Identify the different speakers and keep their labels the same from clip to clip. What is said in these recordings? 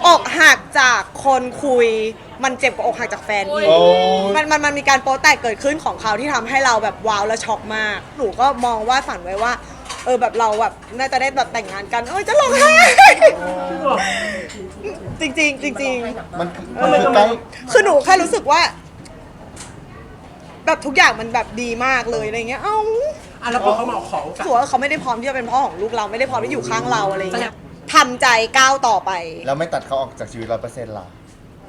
Speaker 1: อกหักจากคนคุยมันเจ็บกว่าอกหักจากแฟนอีกมันมีการโป๊แตกเกิดขึ้นของเขาที่ทำให้เราแบบว้าวและช็อกมากหนูก็มองว่าฝันไว้ว่าแบบเราแบบน่าจะได้แบบแต่งงานกันจะร้องไห้จริงจริงจริง
Speaker 2: มันคือใกล้
Speaker 1: คือหนูแค่รู้สึกว่าแบบทุกอย่างมันแบบดีมากเลยอะไรเงี้ย
Speaker 3: แล้วพอเขามาขอ
Speaker 1: ถือว่าเขาไม่ได้พร้อมที่จะเป็นพ่อของลูกเราไม่ได้พร้อมที่อยู่ข้างเราอะไรเงี้ยทำใจก้าวต่อไป
Speaker 2: แล้วไม่ตัดเขาออกจากชีวิต100%ล่ะ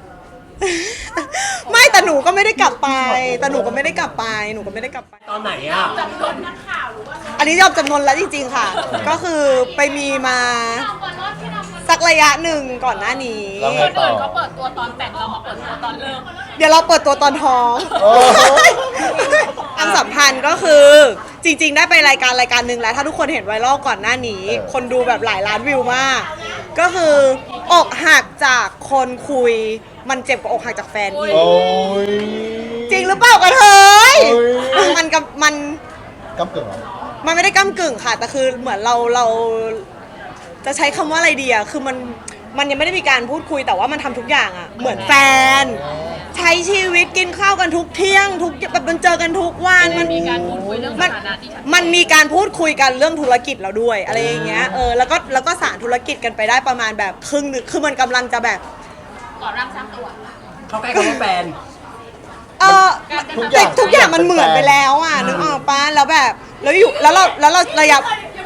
Speaker 1: ไม่แต่หนูก็ไม่ได้กลับไปแต่หนูก็ไม่ได้กลับไปหนูก็ไม่ได้กลับไป
Speaker 3: ตอนไหนอ่ะ
Speaker 4: จำนวนนักข่าวหรือว่า
Speaker 1: อันนี้ยอมจำนวนแล้วจริงๆค่ะก็คือไปมีมาสักระยะหนึ่งก่อนหน้านี้
Speaker 4: คนอื่นเขาเปิดตัวตอนแต่งเรามาเปิดตัวตอนเลิก
Speaker 1: เดี๋ยวเราเปิดตัวตอนท้องอันสัมพันธ์ก็คือจริงๆได้ไปรายการหนึ่งแล้วถ้าทุกคนเห็นไวรัลก่อนหน้านี้คนดูแบบหลายล้านวิวมากก็คืออกหักจากคนคุยมันเจ็บกว่าอกหักจากแฟนอีกจริงหรือเปล่ากระเทยมันกำ
Speaker 2: กึ่ง
Speaker 1: มันไม่ได้ก้ำกึ่งค่ะแต่คือเหมือนเราจะใช้คำว่าอะไรดีอะคือมันยังไม่ได้มีการพูดคุยแต่ว่ามันทำทุกอย่างอะเหมือนแฟนใช้ชีวิตกินข้าวกันทุกเที่ยงทุกแบบมันเจอกันทุกวัน
Speaker 4: มันมีการพูดคุยเรื่องสถานะที่ชัดเจน
Speaker 1: มันมีการพูดคุยกันเรื่องธุรกิจเราด้วยอะไรอย่างเงี้ยแล้วก็สานธุรกิจกันไปได้ประมาณแบบครึ่งนึงคือมันกำลังจะแบบ
Speaker 4: ก่อร่างสร้างตัว
Speaker 3: เขาใกล้คำว่าแฟน
Speaker 1: ทุกอย่างมันเหมือนไปแล้วอ่ะนึกออกปะแล้วแบบแล้วเราระยะ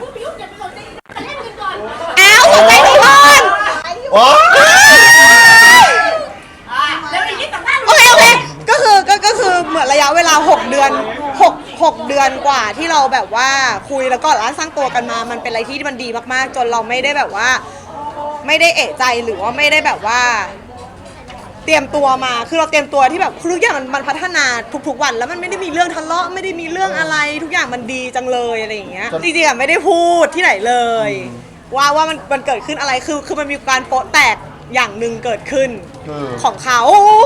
Speaker 1: สนใจทุกคนโอเคก็คือเหมือนระยะเวลา6 เดือน6 เดือนกว่าที่เราแบบว่าคุยแล้วก็ร้านสร้างตัวกันมามันเป็นอะไรที่มันดีมากๆจนเราไม่ได้แบบว่าไม่ได้เอะใจหรือว่าไม่ได้แบบว่าเตรียมตัวมาคือเราเตรียมตัวที่แบบทุกอย่างมันพัฒนาทุกวันแล้วมันไม่ได้มีเรื่องทะเลาะไม่ได้มีเรื่องอะไรทุกอย่างมันดีจังเลยอะไรอย่างเงี้ยจริงๆไม่ได้พูดที่ไหนเลยว่ามันเกิดขึ้นอะไรคือมันมีการโป๊ะแตกอย่างหนึ่งเกิดขึ้นของเขา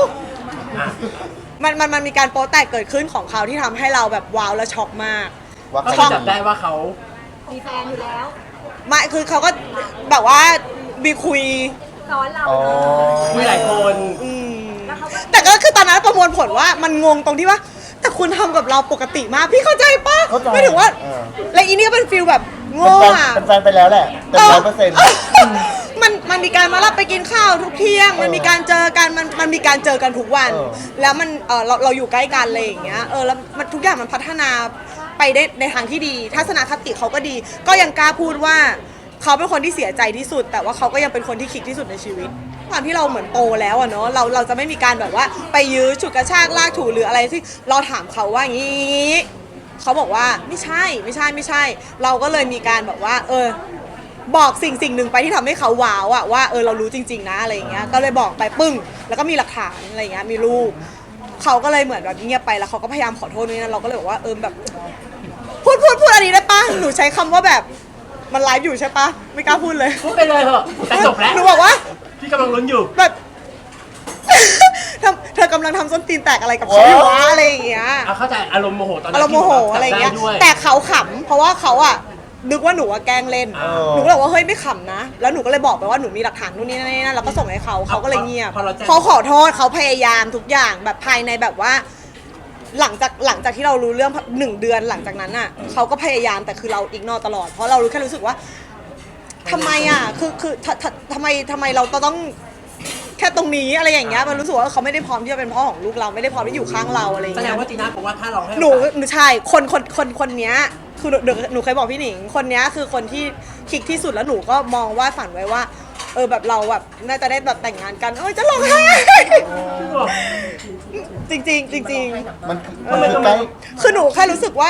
Speaker 1: มันมีการโป๊ะแตกเกิดขึ้นของเขาที่ทำให้เราแบบว้าวและช็อกมาก
Speaker 3: เขาจับได้ว่าเขา
Speaker 4: มีแฟนอยู่แล้ว
Speaker 1: ไม่คือเขาก็แบบว่ามีคุย
Speaker 4: ซ้อนเรา
Speaker 3: คุยหลายคน
Speaker 1: แต่ก็คือตอนนั้นประมวลผลว่ามันงงตรงที่ว่าแต่คุณทำกับเราปกติมากพี่เข้าใจปะไม่ถึงว่าและอีนี่ก็เป็นฟิลแบบโง่อะ
Speaker 2: เป็นแฟนไปแล้วแหละเต็ม100%
Speaker 1: มันมีการมารับไปกินข้าวทุกเที่ยงมันมีการเจอกันมันมีการเจอกันทุกวันแล้วมันเราอยู่ใกล้กันเลยอย่างเงี้ยแล้วมันทุกอย่างมันพัฒนาไปได้ในทางที่ดีทัศนคติเขาก็ดีก็ยังกล้าพูดว่าเขาเป็นคนที่เสียใจที่สุดแต่ว่าเขาก็ยังเป็นคนที่คิดที่สุดในชีวิตความที่เราเหมือนโตแล้วอะเนาะเราจะไม่มีการแบบว่าไปยื้อฉุดกระชากลากถูหรืออะไรที่เราถามเขาว่าอย่างนี้เขาบอกว่าไม่ใช่เราก็เลยมีการแบบว่าบอกสิ่งหนึ่งไปที่ทำให้เขาว้าวอะว่าเรารู้จริงๆนะอะไรอย่างเงี้ยก็เลยบอกไปปึ้งแล้วก็มีหลักฐานอะไรอย่างเงี้ยมีรูปเขาก็เลยเหมือนแบบเงียบไปแล้วเขาก็พยายามขอโทษนี่นะเราก็เลยบอกว่าแบบพูดอันนี้ได้ปะหนูใช้คำว่าแบบมันไลฟ์อยู่ใช่ปะไม่กล้าพูดเลย
Speaker 3: พูดไปเลยเถอะแต่จบแล้ว
Speaker 1: หนูบอกว่า
Speaker 3: พี่กำลังลุ้นอยู่
Speaker 1: แบบเธอกำลังทำส้นตีนแตกอะไรกับเขาอยู่วะอะไรอย่างเงี้ย
Speaker 3: เข้าใจอารมณ์โมโหตอนนั้น
Speaker 1: อารมณ์โมโหอะไรอย่างเงี้ยแต่เขาขำเพราะว่าเขาอะนึกว่าหนูแกล้งเล่นหนูก็เลยว่าเฮ้ยไม่ขำนะแล้วหนูก็เลยบอกไปว่าหนูมีหลักฐานนู่นนี่นั่นแล้วก็ส่งให้เขาก็เลยเงียบเขาขอโทษเขาพยายามทุกอย่างแบบภายในแบบว่าหลังจากที่เรารู้เรื่อง1 เดือนหลังจากนั้นอ่ะเขาก็พยายามแต่คือเราอิกนอตลอดเพราะเราแค่รู้สึกว่าทำไมอ่ะคือทำไมเราต้องแค่ตรงนี้อะไรอย่างเงี้ยมันรู้สึกว่าเขาไม่ได้พร้อมที่จะเป็นพ่อของลูกเราไม่ได้พร้อมที่อยู่ข้างเราอะไรอย่างเงี้ย
Speaker 3: แสดงว่าจีน่าบอกว่าถ้าเราให้
Speaker 1: หนูใช่คนเนี้ยคือหนูเคยบอกพี่หนิงคนเนี้ยคือคนที่คลิกที่สุดแล้วหนูก็มองว่าฝันไว้ว่าแบบเราแบบน่าจะได้แบบแต่งงานกันจะร้องไห้จริง
Speaker 2: มันคือใกล้
Speaker 1: คือหนูแค่รู้สึกว่า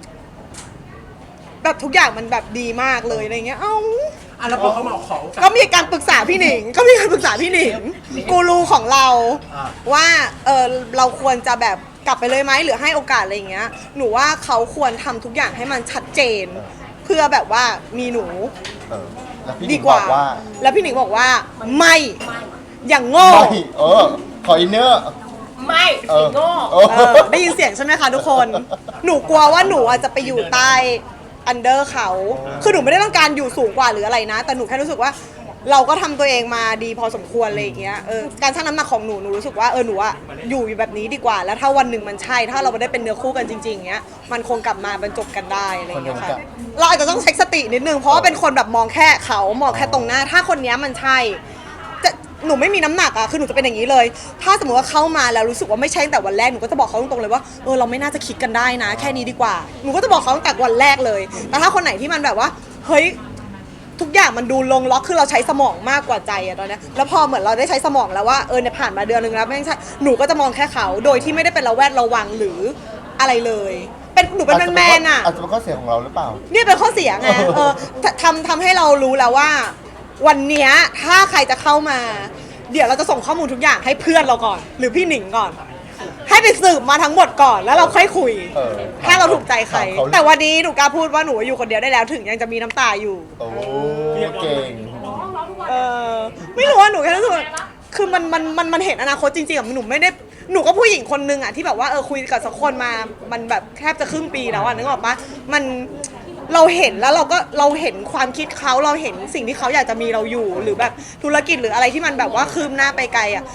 Speaker 1: แบบทุกอย่างมันแบบดีมากเลยอะไรเงี้ย
Speaker 3: แล้วพอเขามาขอ
Speaker 1: ก็มีการปรึกษาพี่หนิงกูรูของเราว่าเราควรจะแบบกลับไปเลยไหมหรือให้โอกาสอะไรอย่างเงี้ยหนูว่าเขาควรทำทุกอย่างให้มันชัดเจนเพื่อแบบว่ามีหนูดีกว่าแล้วพี่หนิงบอกว่าไม่อย่างโง่
Speaker 2: ขออินเนอร์
Speaker 4: ไม่โง่
Speaker 1: ได้ยินเสียงใช่ไหมคะทุกคนหนูกลัวว่าหนูอาจจะไปอยู่ใต้อันเดอร์เขาคือหนูไม่ได้ต้องการอยู่สูงกว่าหรืออะไรนะแต่หนูแค่รู้สึกว่าเราก็ทำตัวเองมาดีพอสมควรอะไรอย่างเงี้ยการชั่งน้ำหนักของหนูรู้สึกว่าหนูอะอยู่แบบนี้ดีกว่า แล้วถ้าวันหนึ่งมันใช่ถ้าเราได้เป็นเนื้อคู่กันจริงๆเงี้ยมันคงกลับมาบรรจบกันได้อะไรอย่างเงี้ยค่ะเราอาจจะต้องเช็คสตินิดนึงเพราะว่าเป็นคนแบบมองแค่เขามองแค่ตรงหน้าถ้าคนเนี้ยมันใช่หนูไม่มีน้ำหนักอะคือหนูจะเป็นอย่างนี้เลย ถ้าสมมติว่าเข้ามาแล้วรู้สึกว่าไม่ใช่ตั้งแต่วันแรกหนูก็จะบอกเขาตรงๆเลยว่าเราไม่น่าจะคิดกันได้นะ แค่นี้ดีกว่าหนูก็จะบอกเขาตั้งแต่วันแรกเลยแต่ถ้าคนไหนที่มันแบบว่าเฮ้ยทุกอย่างมันดูลงล็อกคือเราใช้สมองมากกว่าใจอะตอนนี้แล้วพอเหมือนเราได้ใช้สมองแล้วว่าเนี่ยผ่านมาเดือนนึงแล้วไม่ใช่หนูก็จะมองแค่เขาโดยที่ไม่ได้เป็นระแวดระวังหรืออะไรเลยเป็นหนูเป็นแมนๆอะ
Speaker 2: อาจจะเป็นข้อเสียของเราหรือเปล่า
Speaker 1: เนี่ยเป็นข้อเสียไงทำให้เรารู้แล้วว่า วันเนี้ยถ้าใครจะเข้ามา เดี๋ยวเราจะส่งข้อมูลทุกอย่างให้เพื่อนเราก่อน หรือพี่หนิงก่อน ให้ไปสืบมาทั้งหมดก่อนแล้วเราค่อยคุย ถ้าเราถูกใจใคร แต่วันนี้หนูกล้าพูดว่าหนูอยู่คนเดียวได้แล้วถึงยังจะมีน้ำตาอยู่
Speaker 2: โอ้เก่ง
Speaker 1: ไม่รู้ว่าหนูแค่รู้สึกว่าคือมันเห็นอนาคตจริงๆอะหนูไม่ได้หนูก็ผู้หญิงคนนึงอะที่แบบว่าคุยกับสักคนมามันแบบแทบจะครึ่งปีแล้วอะนึกออกปะมันเราเห็นแล้วเราเห็นความคิดเขาเราเห็นสิ่งที่เขาอยากจะมีเราอยู่หรือแบบธุรกิจหรืออะไรที่มันแบบว่าคืบหน้าไปไกลอะ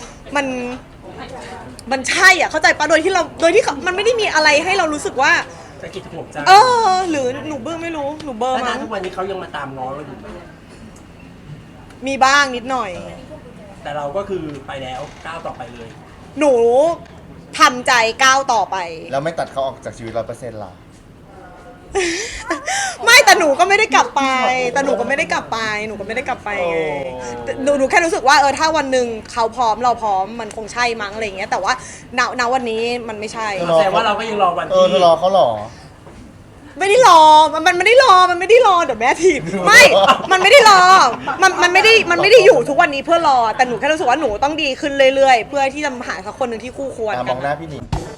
Speaker 1: มันใช่อ่ะเข้าใจปะโดยที่มันไม่ได้มีอะไรให้เรารู้สึกว่า
Speaker 3: สะกิดหัวใจ
Speaker 1: หรือหนูเบอร์ไม่รู้หนูเบอร์
Speaker 3: แล้ว
Speaker 1: มั้ง
Speaker 3: ทุกวันนี้เขายังมาตามง้อเราอยู่ไหม
Speaker 1: มีบ้างนิดหน่อย
Speaker 3: แต่เราก็คือไปแล้วก้าวต่อไปเลย
Speaker 1: หนูทำใจก้าวต่อไป
Speaker 2: แล้วไม่ตัดเขาออกจากชีวิต100%ล่ะ
Speaker 1: ไม่แต่หนูก็ไม่ได้กลับไปหนูก็ไม่ได้กลับไปไงแต่หนูแค่รู้สึกว่าถ้าวันหนึ่งเขาพร้อมเราพร้อมมันคงใช่มั้งอะไรอย่างเงี้ยแต่ว่าณวันนี้มันไม่ใช่
Speaker 3: แสดงว่าเราก็ยังรอวัน
Speaker 2: เธ
Speaker 3: ที่
Speaker 2: อรอเขาเหรอ
Speaker 1: ไม่ได้รอมันไม่ได้รอเดี๋ยวแม่ถีบไม่มันไม่ได้รอมันไม่ได้อยู่ทุกวันนี้เพื่อรอแต่หนูแค่รู้สึกว่าหนูต้องดีขึ้นเรื่อยๆเพื่อที่จะหาสักคนหนึ่งที่คู่ควร
Speaker 2: ม
Speaker 1: กั
Speaker 2: องหน้าพี่หนิง